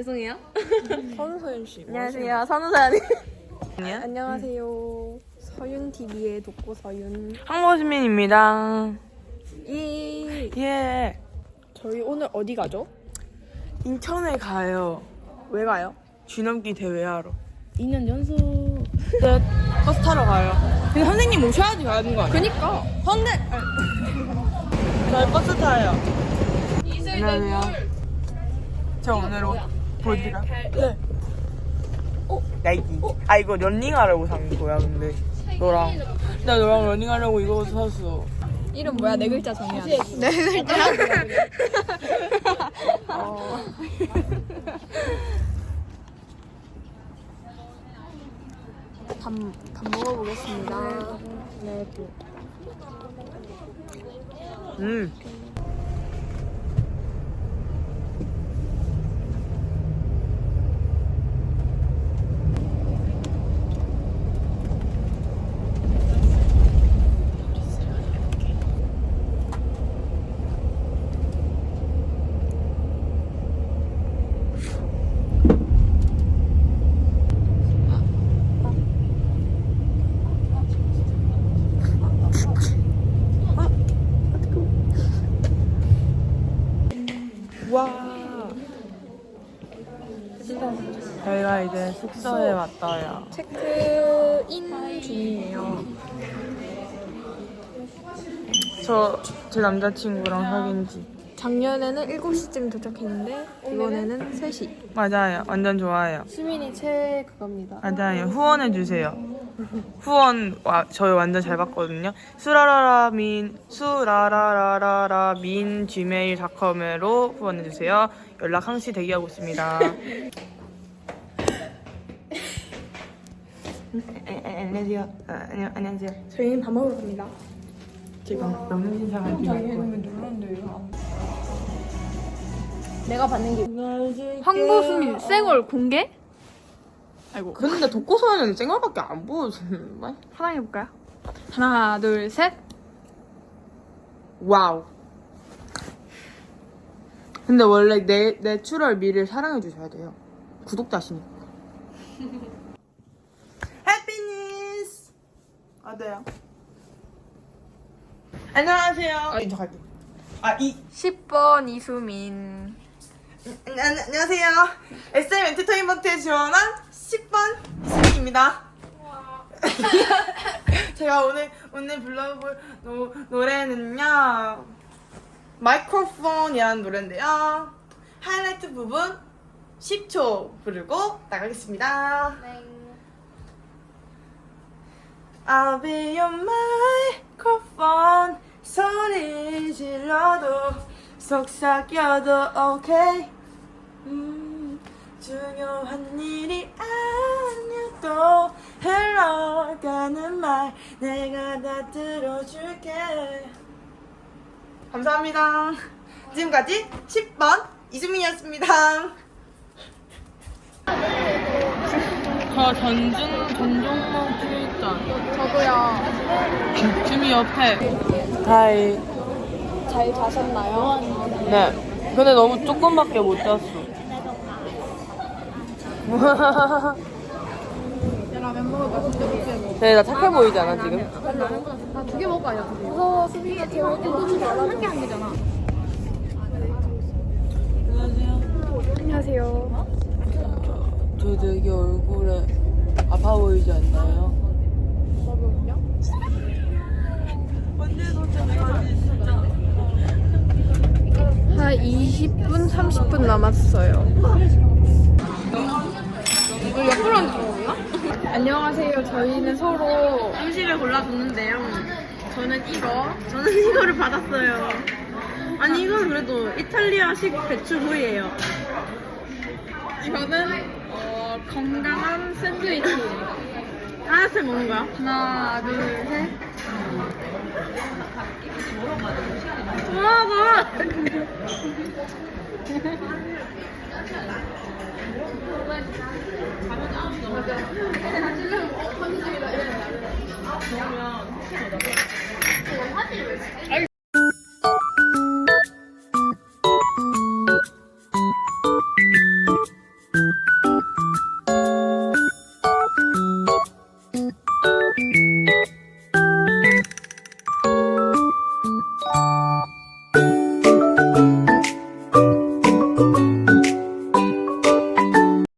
죄송해요. 선우서연 씨. 안녕하세요. 선우사연이. 안녕하세요. 서윤 TV의 독고 서윤. 항모시민입니다. 예. 저희 오늘 어디 가죠? 인천에 가요. 왜 가요? 쥐넘기 대회하러. 2년 연속. 네, 버스 타러 가요. 근데 선생님 모셔야지 가는 거 아니야? 그니까. 저희 버스 타요. 안녕하세요. 저 오늘 옷 보여드릴까요? 네. 나이키. 아 이거 런닝하려고 산 거야 근데 너랑 나 너랑 런닝하려고 이거 샀어. 이름 뭐야? 네 글자 정해야 돼. 네 글자. 밥 먹어보겠습니다. 네. 음. 와. 저희가 이제 숙소에 왔어요. 체크인 중이에요. 제 남자친구랑 사귄 지. 작년에는 7시쯤 도착했는데 이번에는 3시. 맞아요. 완전 좋아요. 수민이 그겁니다. 맞아요. 후원해주세요. 후원 저희 완전 잘 받거든요. 수라라라민 gmail.com으로 후원해주세요. 연락 항시 대기하고 있습니다. 안녕하세요. 안녕하세요. 저희는 밥 먹으러 갑니다. 지금 명륜 신상을 드리고 내가 받는 게 황보수민 쌩얼 공개? 아이고 근데 독고서연은 쨍얼밖에 안 보여주는데? 사랑해볼까요? 하나 둘 셋. 와우. 근데 원래 내추럴 미를 사랑해주셔야 돼요. 구독자시니까. 해피니스! 어때요? 안녕하세요. 인척할게. 10번 이수민. 안녕하세요. SM 엔터테인먼트에 지원한 10번 수민입니다. 제가 오늘 불러볼 노래는요. 마이크로폰이라는 노래인데요. 하이라이트 부분 10초 부르고 나가겠습니다. I'll be your microphone. 소리 질러도 속삭여도 okay. 중요한 일이 아니어도 흘러가는 말 내가 다 들어줄게. 감사합니다. 지금까지 10번 이수민이었습니다. 저 전종목 출전. 저도요. 주미 옆에. 하이. 잘 자셨나요? 네. 근데 너무 조금밖에 못 잤어. 라면 먹을까? 진짜 못해. 네, 나 착해 보이지 않아 지금? 라면보다 두 개 먹을 거 아니야? 그래서 수빈이가 제일 땡겨주지 않아. 한개 한 개잖아. 안녕하세요. 저 되게 얼굴에 아파 보이지 않나요? 한 20분, 30분 남았어요. 이거 옆으로 앉는 거구나? 안녕하세요. 저희는 서로 음식을 골라줬는데요. 저는 이거를 받았어요. 아니 이건 그래도 이탈리아식 배추구이예요. 이거는 건강한 샌드위치. 하나씩 먹는 거야? 하나, 둘, 셋. 우와